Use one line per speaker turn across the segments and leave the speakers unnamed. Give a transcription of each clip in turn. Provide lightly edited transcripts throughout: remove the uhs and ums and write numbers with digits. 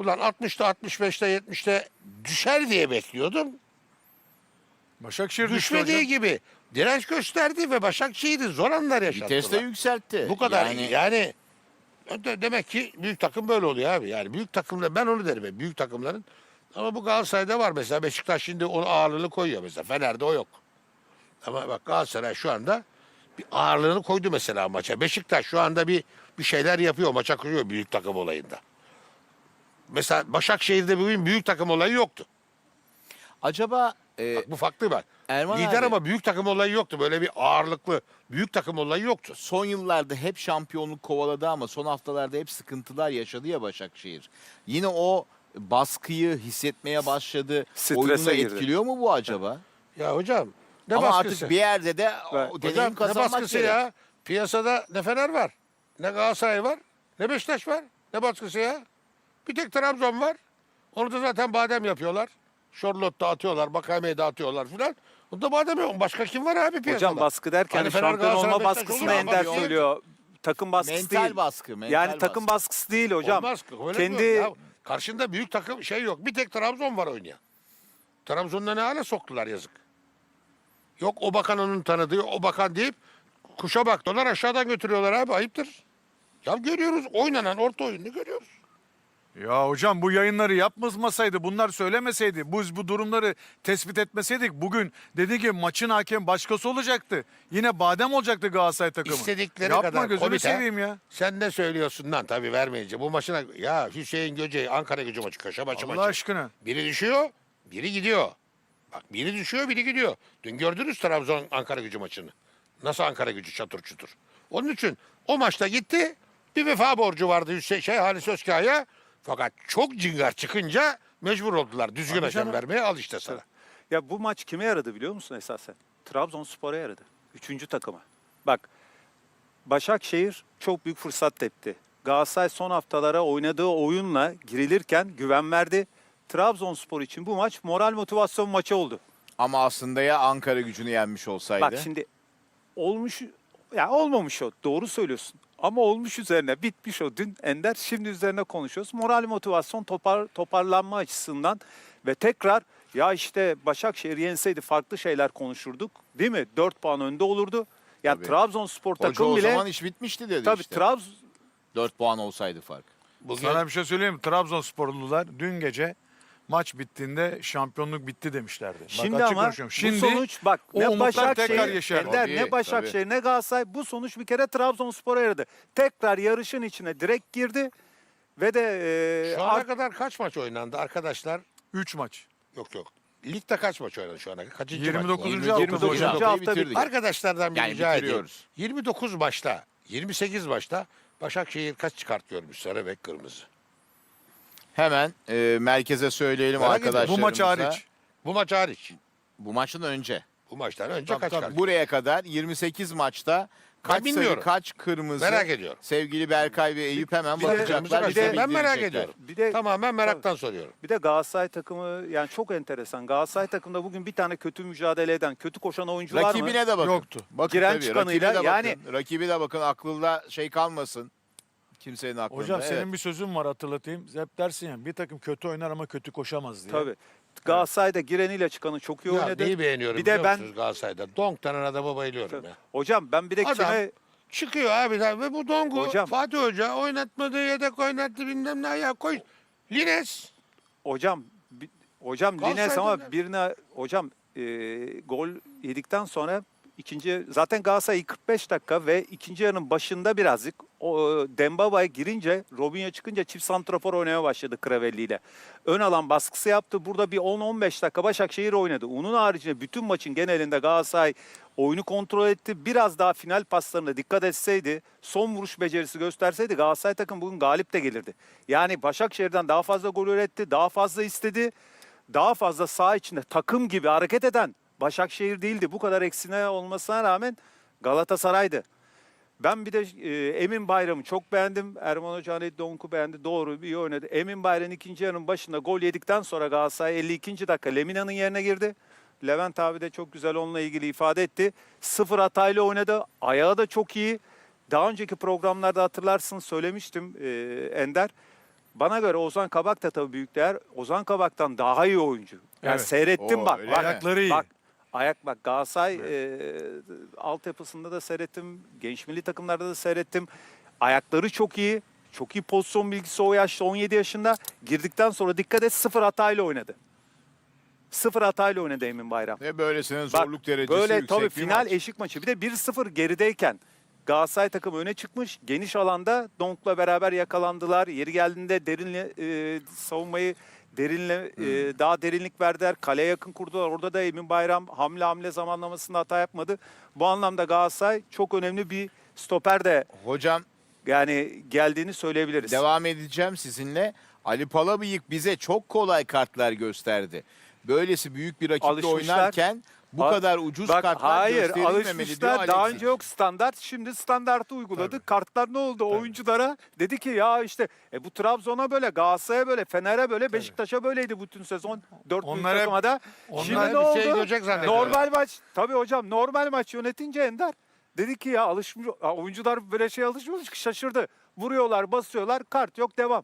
ulan 60'ta 65'te 70'te düşer diye bekliyordum.
Başakşehir düştü
Düşmediği
hocam.
gibi direnç gösterdi ve Başakşehir'i zor anlar yaşattılar.
Vites de yükseltti.
Bu kadar yani demek ki büyük takım böyle oluyor abi. Yani büyük takımda ben onu derim. Büyük takımların ama bu Galatasaray'da var mesela. Beşiktaş şimdi onun ağırlığını koyuyor mesela. Fener'de o yok. Ama bak Galatasaray şu anda bir ağırlığını koydu mesela maça. Beşiktaş şu anda bir şeyler yapıyor. Maça kuruyor büyük takım olayında. Mesela Başakşehir'de bugün büyük takım olayı yoktu.
Acaba
Bak bu farklı bak.
Erman
Lider
abi,
ama büyük takım olayı yoktu. Böyle bir ağırlıklı büyük takım olayı yoktu.
son yıllarda hep şampiyonluk kovaladı ama son haftalarda hep sıkıntılar yaşadı ya Başakşehir. Yine o baskıyı hissetmeye başladı.
Strese
Oyununu
girdi.
etkiliyor mu bu acaba?
Ya hocam ne
Ama
baskısı?
artık bir yerde de
Evet.
o deneyim
Hocam ne
kazanmak
baskısı
gerek.
ya? Piyasada ne Fener var, ne Galatasaray var, ne Beşiktaş var. Ne baskısı ya? Bir tek Trabzon var. Onu da zaten badem yapıyorlar. Charlotte'da atıyorlar, Bakame'de atıyorlar filan. Bunda badem yok. Başka kim var abi piyasada?
Hocam baskı derken
Hani Fener,
şampiyon
Galatasaray,
olma
Beşiktaş
baskısını
oluyor ama
Ender
yok.
söylüyor. Takım baskısı
Mental
değil.
baskı. Mental
Yani takım baskısı değil hocam.
Olmaz. Öyle
Kendi
diyorum ya. Karşında büyük takım şey yok. Bir tek Trabzon var oynayan. Trabzon'da ne hale soktular yazık. Yok o bakan onun tanıdığı, o bakan deyip kuşa baktılar aşağıdan götürüyorlar abi ayıptır. Ya görüyoruz oynanan orta oyunu görüyoruz.
Ya hocam bu yayınları yapmasaydı, bunlar söylemeseydi, biz bu durumları tespit etmeseydik bugün dedi ki maçın hakemi başkası olacaktı. Yine badem olacaktı Galatasaray takımı.
İstedikleri
Yapma,
kadar
gözünü
komite.
seveyim ya.
Sen ne söylüyorsun lan tabii vermeyince. Bu maçına ya Hüseyin Göce'yi Ankara Gücü maçı köşe maçı
Allah
maçı.
aşkına.
Biri düşüyor, biri gidiyor. Bak biri düşüyor, biri gidiyor. Dün gördünüz Trabzon Ankara Gücü maçını. Nasıl Ankara Gücü çatır çutur. Onun için o maçta gitti. Bir vefa borcu vardı Halis Özkaya'ya. Fakat çok cingar çıkınca mecbur oldular. Düzgün
Tabii
hakem
canım.
vermeye al işte sana.
Ya bu maç kime yaradı biliyor musun esasen? Trabzonspor'a yaradı. Üçüncü takıma. Bak Başakşehir çok büyük fırsat tepti. Galatasaray son haftalara oynadığı oyunla girilirken güven verdi. Trabzonspor için bu maç moral motivasyon maçı oldu.
Ama aslında ya Ankara Gücü'nü yenmiş olsaydı.
Bak şimdi olmuş ya olmamış o. Doğru söylüyorsun. Ama olmuş üzerine bitmiş o dün Ender. Şimdi üzerine konuşuyoruz. Moral motivasyon toparlanma açısından ve tekrar ya işte Başakşehir yenseydi farklı şeyler konuşurduk. Değil mi? 4 puan önde olurdu. Ya
Tabii.
Trabzonspor
Hoca
takım
o
bile
zaman iş bitmişti dedi
tabii
işte. 4 puan olsaydı fark.
Bugün
Sana bir şey söyleyeyim mi? Trabzonsporlular dün gece maç bittiğinde şampiyonluk bitti demişlerdi. Bak,
Şimdi
açık
ama
konuşuyorum. Şimdi
bu sonuç bak
o
ne
umutlar tekrar
Başakşehir,
yeşer.
Ender,
Tabii,
ne Başakşehir ne Galatasaray bu sonuç bir kere Trabzonspor'a yaradı. Tekrar yarışın içine direkt girdi ve de
şu ana kadar kaç maç oynandı arkadaşlar?
3 maç.
Yok. Ligde kaç maç oynandı şu ana kadar? Kaçıncı
29.
maç?
hafta
29.
hocam.
hafta
Haftayı bitirdik.
bitti.
Arkadaşlardan bir
Yani
rica edeyim.
bitiriyoruz.
29 maçta, 28 maçta Başakşehir kaç çıkart görmüş sarı ve kırmızı?
Hemen merkeze söyleyelim
Merak ediyorum.
Bu
arkadaşlarımıza.
maç hariç.
Bu maç hariç.
Bu maçtan önce.
Bu maçtan önce
Tabii,
kaç
tabii.
çıkart?
Buraya kadar 28 maçta kaç sarı
bilmiyorum.
kaç kırmızı.
Merak ediyorum.
Sevgili Berkay ve Eyüp hemen
bir de-
bakacaklar.
bir
bize
de-
ben merak
bildirecekler.
ediyorum.
Bir de
Tamamen meraktan soruyorum.
bir de Galatasaray takımı yani çok enteresan. Galatasaray takımında bugün bir tane kötü mücadele eden, kötü koşan oyuncu var mı?
Rakibine de bakın.
Yoktu.
Bakın
Giren
tabii,
çıkanıyla
rakibe de
yani-
bakın. Rakibi de bakın aklında şey kalmasın. Kimsenin aklında.
Hocam
evet.
senin bir sözün var hatırlatayım. Hep dersin ya bir takım kötü oynar ama kötü koşamaz diye.
Tabii. Galatasaray'da gireniyle çıkanı çok iyi
Ya
oynadı.
neyi beğeniyorum
Bir de
biliyor
ben
musunuz Galatasaray'da? Donk denen adama bayılıyorum ya.
hocam ben bir de
Adam-
kime
Çıkıyor abi ve bu Donk'u
Hocam-
Fatih Hoca oynatmadı, yedek oynattı bilmem ne ya koy. Lines.
hocam Lines
Galatasaray'da
ama
ne?
birine hocam gol yedikten sonra ikinci zaten Galatasaray 45 dakika ve ikinci yarının başında birazcık o Dembaba'ya girince Robinho çıkınca çift santrafor oynamaya başladı Kravelli ile. Ön alan baskısı yaptı. Burada bir 10-15 dakika Başakşehir oynadı. Onun haricinde bütün maçın genelinde Galatasaray oyunu kontrol etti. Biraz daha final paslarına dikkat etseydi, son vuruş becerisi gösterseydi Galatasaray takım bugün galip de gelirdi. Yani Başakşehir'den daha fazla gol üretti, daha fazla istedi. Daha fazla saha içinde takım gibi hareket eden Başakşehir değildi. Bu kadar eksine olmasına rağmen Galatasaray'dı. Ben bir de Emin Bayram'ı çok beğendim. Erman Hoca hani Donk'u beğendi. Doğru iyi oynadı. Emin Bayram ikinci yarının başında gol yedikten sonra Galatasaray 52. dakika Lemina'nın yerine girdi. Levent abi de çok güzel onunla ilgili ifade etti. 0 hatayla oynadı. Ayağı da çok iyi. Daha önceki programlarda hatırlarsın söylemiştim Ender. bana göre Ozan Kabak da tabii büyük değer. Ozan Kabak'tan daha iyi oyuncu. Yani
Evet.
seyrettim
Oo,
bak.
öyle
bak,
mi?
Ayakları iyi.
bak Galatasaray altyapısında da seyrettim. Genç milli takımlarda da seyrettim. Ayakları çok iyi. Çok iyi pozisyon bilgisi o yaşta 17 yaşında. Girdikten sonra dikkat et 0 hatayla oynadı. 0 hatayla oynadı Emin Bayram.
Ve böylesinin
Bak,
zorluk derecesi
böyle
yüksek
tabii
bir
final
maç.
eşik maçı. Bir de 1-0 gerideyken Galatasaray takımı öne çıkmış. Geniş alanda Donk'la beraber yakalandılar. Yeri geldiğinde derinle savunmayı daha derinlik verdiler. Kaleye yakın kurdular. Orada da Emin Bayram hamle zamanlamasında hata yapmadı. Bu anlamda Galatasaray çok önemli bir stoper de
Hocam
yani geldiğini söyleyebiliriz.
devam edeceğim sizinle. Ali Palabıyık bize çok kolay kartlar gösterdi. Böylesi büyük bir rakiple
Alışmışlar.
oynarken bu
Bak-
kadar ucuz
Bak,
kartlar
hayır
gösterilmemeli diyor
alışmışlar. Daha
Alexis.
önce yok standart. Şimdi standartı uyguladı. Kartlar ne oldu? Oyunculara dedi ki ya işte bu Trabzon'a böyle, Galatasaray'a böyle, Fener'e böyle, Beşiktaş'a böyleydi bütün sezon. 4 büyük
Onlar hep-
takıma da.
onlar
Şimdi
hep
ne
bir
oldu?
şey görecek zannediyorlar.
Normal maç. Tabii hocam normal maç yönetince Ender dedi ki ya alışmış oyuncular böyle şey alışmış ki şaşırdı. Vuruyorlar, basıyorlar, kart yok, devam.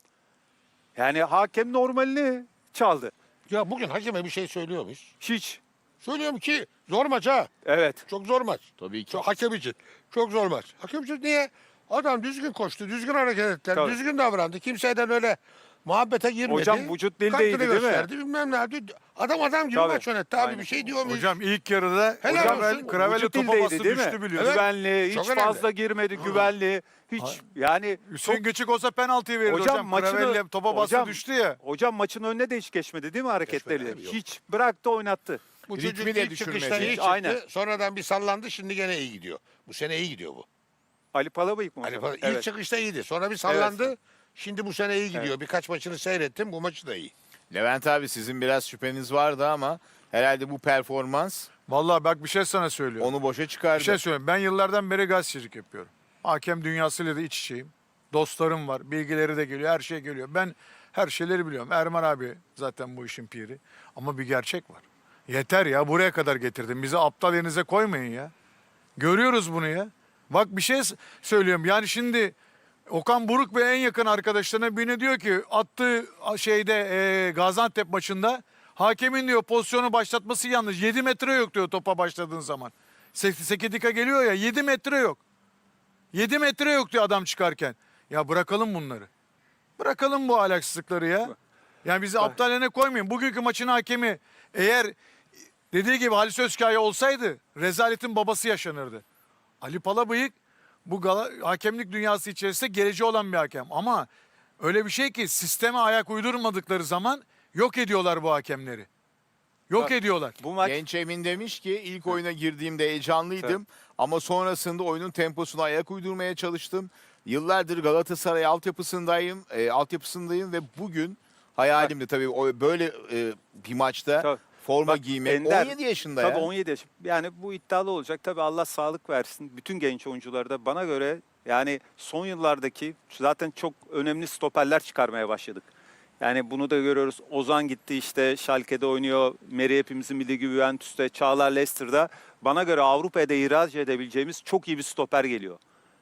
Yani hakem normalini çaldı.
Ya bugün hakeme bir şey söylüyor muyuz?
Hiç.
Söylüyorum ki zor maç ha.
Evet.
Çok zor maç.
Tabii ki.
Çok hakem için. Çok zor maç. Hakem için niye? Adam düzgün koştu, düzgün hareket etti,
Tabii.
düzgün davrandı. Kimseden öyle muhabbete girmedi.
Hocam vücut dili
Kartını
değildi, değil mi?
gösterdi, bilmem ne yaptı. Adam gibi
Tabii.
maç yönetti abi.
Aynen.
Bir şey diyor muyuz?
Hocam ilk yarıda
Helal olsun.
Kravel'e
Vücut
topa
dildeydi,
bastı
değil mi?
düştü biliyorsun.
Evet.
Güvenli, hiç
Çok önemli.
fazla girmedi, güvenli. Hiç yani
Hüseyin Geçik olsa penaltıyı verirdi
Hocam
hocam.
maçını-
Kravel'le topa bastı
hocam-
düştü ya.
hocam maçın önüne de hiç geçmedi değil mi hareketleri?
Geçmedi abi, yok.
Hiç bıraktı, oynattı.
Bu
Ritmi
çocuk
de
ilk
düşürmedi.
çıkışta iyi
Hiç,
çıktı.
aynen.
Sonradan bir sallandı. Şimdi gene iyi gidiyor. Bu sene iyi gidiyor bu.
Ali Palabıyık mı
Hani
hocam?
ilk çıkışta iyiydi. Sonra bir sallandı.
Evet.
Şimdi bu sene iyi gidiyor. Birkaç maçını seyrettim. Bu maçı da iyi.
Levent abi sizin biraz şüpheniz vardı ama herhalde bu performans
Vallahi bak bir şey sana söylüyorum.
onu boşa çıkardı.
Bir şey söyleyeyim. Ben yıllardan beri gazetecilik yapıyorum. Hakem dünyasıyla da iç içeyim. Dostlarım var. Bilgileri de geliyor. Her şey geliyor. Ben her şeyleri biliyorum. Erman abi zaten bu işin piri. Ama bir gerçek var. Yeter ya. Buraya kadar getirdim. Bizi aptal yerinize koymayın ya. Görüyoruz bunu ya. Bak bir şey söylüyorum. Yani şimdi Okan Buruk ve en yakın arkadaşlarına birine diyor ki attığı şeyde Gaziantep maçında hakemin diyor pozisyonu başlatması yanlış. 7 metre yok diyor topa başladığın zaman. Sekidika geliyor ya 7 metre yok. 7 metre yok diyor adam çıkarken. Ya bırakalım bunları. Bırakalım bu ahlaksızlıkları ya. Yani bizi aptal yerine koymayın. Bugünkü maçın hakemi eğer dediği gibi Halis Özkaya olsaydı rezaletin babası yaşanırdı. Ali Palabıyık bu hakemlik dünyası içerisinde geleceği olan bir hakem. Ama öyle bir şey ki sisteme ayak uydurmadıkları zaman yok ediyorlar bu hakemleri. Yok
Bak,
ediyorlar.
Bu maç
Genç Emin demiş ki ilk oyuna girdiğimde heyecanlıydım ama sonrasında oyunun temposuna ayak uydurmaya çalıştım. Yıllardır Galatasaray altyapısındayım ve bugün hayalimdi tabii böyle bir maçta
Tabii.
forma
Bak,
giymek.
Ender,
17 yaşında
tabii
ya.
17 yaş. Yani bu iddialı olacak. Tabii Allah sağlık versin. Bütün genç oyunculara da bana göre yani son yıllardaki zaten çok önemli stoperler çıkarmaya başladık. Yani bunu da görüyoruz. Ozan gitti işte Schalke'de oynuyor. Meri hepimizin bildiği gibi Juventus'ta, Çağlar Leicester'da. Bana göre Avrupa'da ihraç edebileceğimiz çok iyi bir stoper geliyor.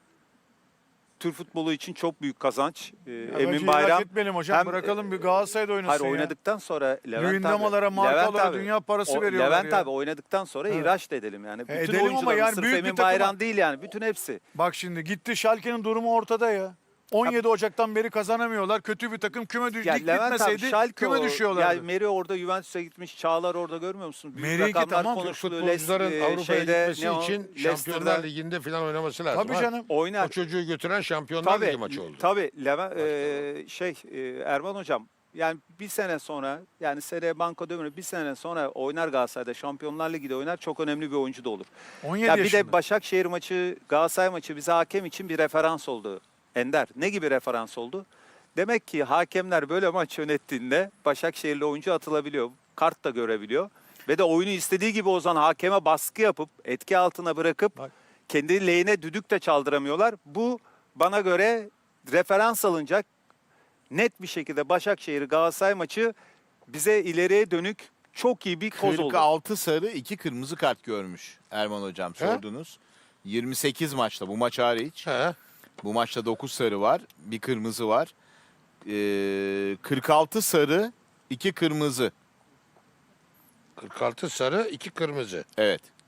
Türk futbolu için çok büyük kazanç. Emin Bayram.
Etmeyelim hocam.
hem-
Bırakalım bir Galatasaray'da oynasın
Hayır
ya.
oynadıktan sonra Levent
Lüyendamalara,
abi.
markalara
Levent abi,
dünya parası veriyorlar
Levent
ya.
abi oynadıktan sonra ihraç da edelim yani. Bütün
edelim ama
oyuncuların
yani
sırf
büyük bir
Emin
takıma-
Bayram değil yani. Bütün hepsi.
Bak şimdi gitti Schalke'nin durumu ortada ya. 17 Ocak'tan beri kazanamıyorlar. Kötü bir takım küme
Ya
lig
Levent abi
bitmeseydi
Schalke
küme düşüyorlardı.
Ya Meri orada Juventus'a gitmiş. Çağlar orada görmüyor musun? Büyük
Meri'ninki
rakamlar
tamam,
konuşuluyor.
Futbolcuların Avrupa'ya
şeyde,
gitmesi
ne o?
için
Leicester'da
Şampiyonlar Ligi'nde falan oynaması lazım.
Tabii
ha.
canım.
oynar.
O çocuğu götüren Şampiyonlar Ligi
Tabii,
maçı oldu.
tabii Levent, Erman hocam yani bir sene sonra yani seneye banko dönüyor bir sene sonra oynar Galatasaray'da Şampiyonlar Ligi'de oynar çok önemli bir oyuncu da olur.
17
Ya bir
yaşında.
de Başakşehir maçı Galatasaray maçı bize hakem için bir referans oldu. Ender ne gibi referans oldu? Demek ki hakemler böyle maç yönettiğinde Başakşehirli oyuncu atılabiliyor. Kart da görebiliyor. Ve de oyunu istediği gibi Ozan hakeme baskı yapıp etki altına bırakıp
Bak.
kendi lehine düdük de çaldıramıyorlar. Bu bana göre referans alınacak net bir şekilde Başakşehir Galatasaray maçı bize ileriye dönük çok iyi bir koz oldu.
46 sarı 2 kırmızı kart görmüş Erman hocam sordunuz. 28 maçta bu maç hariç.
He.
Bu maçta 9 sarı var, bir kırmızı var. 46 sarı, 2 kırmızı.
46 sarı, 2 kırmızı.
Evet.